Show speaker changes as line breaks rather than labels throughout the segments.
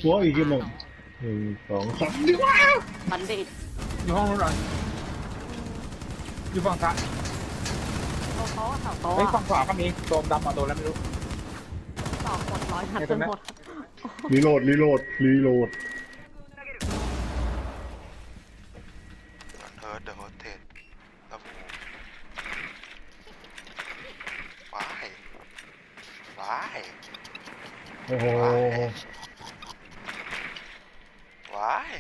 โว้ยกี่โมง1 2 3ดีกว่า
บัณฑิต
อยู่ห้องนู้นเหรออยู่ฝั่งซ้าย
เขาอะเขา
เฮ้ย
อะ
ฝั่งขวาก็มีตัวดำมาตัวแล้วไม่รู้
ต่อหมดร้อยนัดจนหมด
รีโหลด
เฮิร์ตเดอะโฮเทลแล้วว้าย
โอ้โห
ว้าย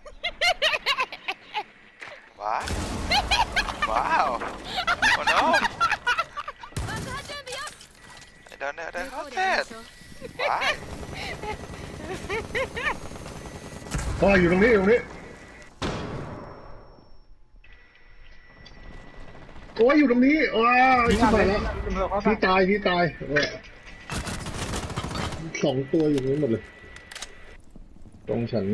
ว้าว โอ้ no I don't know the hotel ว้าย
อยู่ตรงนี้โอ้ยอยู่ตรงนี้ว้าวชิบหายแล้วพี่ตาย2 ตัวอยู่นี้หมดเลยตรงฉัน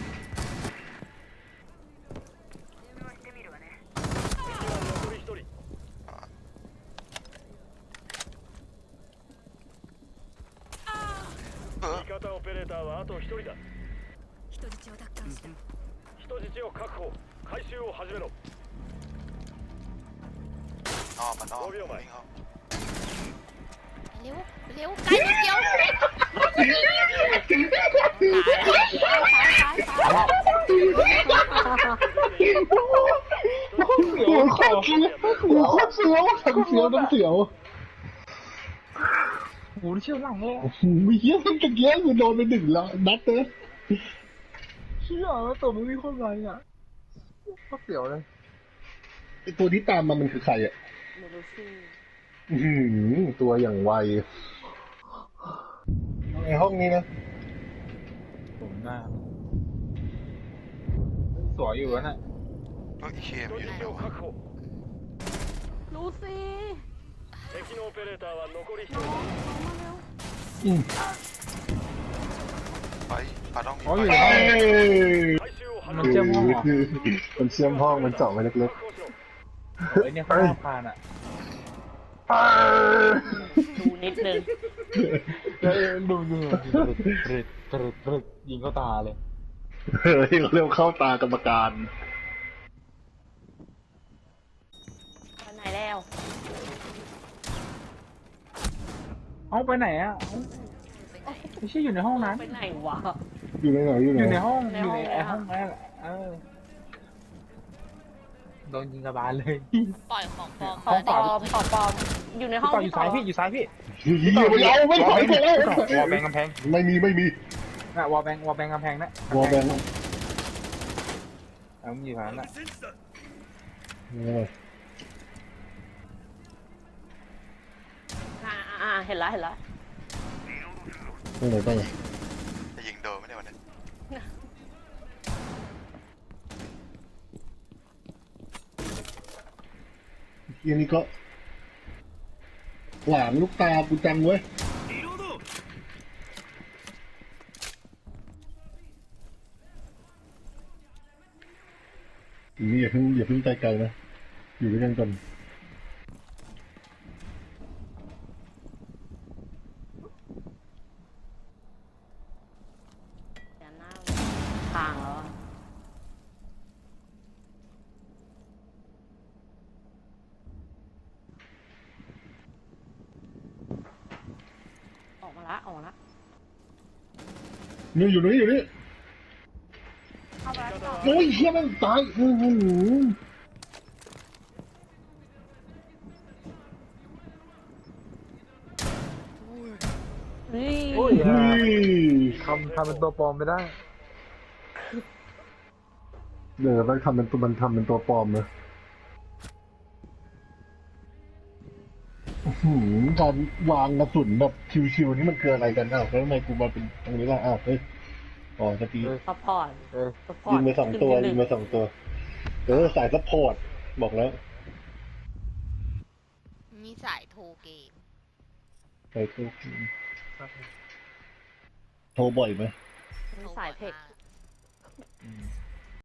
味方オペレーターはあと1人だ。
人質を奪還した。
人質を確保。回収を始めろ。
มันอ้อมวิ่งเข้า
เร็วเร็วไกลนิดเดียว
โอ้โหโคตรเสียวทั้งเสียว
โอ้โหเชี่ยวหลังเลย
โอ้โหมีเหี้ยมันตะเกียบกูโดนไป1 แล้วนัดเตอ
เชี่ยวแล้วตัวไม่มีคนไรอ่ะก็เสียวเลย
ไอตัวที่ตามมันคือใครอ่ะ
เดี๋ยวดูสิ
ตัวอย่างไวในห้องนี้นะ
ผมหน้าสวยอยู่นะ
ก็อีเคมอยู่ใน
人質を確保。
ดูสิ
敵のオペレーターは残り1人。
ไปปาต้องมี
อ๋อ
ไป
อยู่ในห้อง
回収を始
มั
め
น
ろ。
เชื่อมห้องเหรอ
มันเชื่อมห้องมันเจาะไปเล็ก
確保しろ。
เฮ้ยเนี่ยเขาห้องผ่านอ่ะ
ๆ
ดูนิดนึง
ดูยิงเข้าตาเลย
เร็วเข้าตากรรมการ
ไปไหนแล้ว
เอาไปไหนอ่ะไม่ใช่อยู่ในห้องนั้น
ไปไหนวะ
อยู่ในไหนอยู่
อยู่
ไห
ใน
น
ห้อง
ใน
อยู่
ห้อง
ในห้องนั่นแหละโดนยิงกระบาลเลย
ปล่อยของปลอม
ขอ
มาง
ปลอมอยู่ในห้อง
ต่ออยู่ซ้ายพี่อยู่ซ้ายพี่
ไม่ถอยไปแล้ว
วอลแบงกำแพง
ไม่มี
น่ะวอลแบงกำแพงนะ
วอลแบงค์
เอาอยู่ผ่านน่ะ
เห็นแล้ว
ตรงไหนบ้าง
จะยิงโดนไม่ได้วันนี้
ทีนี้ก็หลานลูกตากูจังเว้ยนี่อย่าเพิ่งใจไกลนะอยู่ด้วยกันก่อน
เดี๋ยวหน้าทางแล้วอะออกมาละ
นี่อยู่นี่
เข้าไปแล้ว
โอ้ยเฮียมันตาย
นี่
โอ้ย
นี่
ทำเป็นตัวปลอมไม่ได้
เดี๋ยวมันทำเป็นตัวปลอมเลยตอนวางกระสุนแบบชิวๆนี่มันคืออะไรกันอ้าวแล้วทำไมกูมาเป็นตรงนี้ล่ะอ้าวเฮ้ยอ๋อจะตี
ซัพพอร์ต
ยิงไป2 ตัวสายซัพพอร์ตบอกแล้ว
มีสายโทรเกม
ใส่โทรบ่อยไหม
มีสายเทค
โทรบ่อยมาก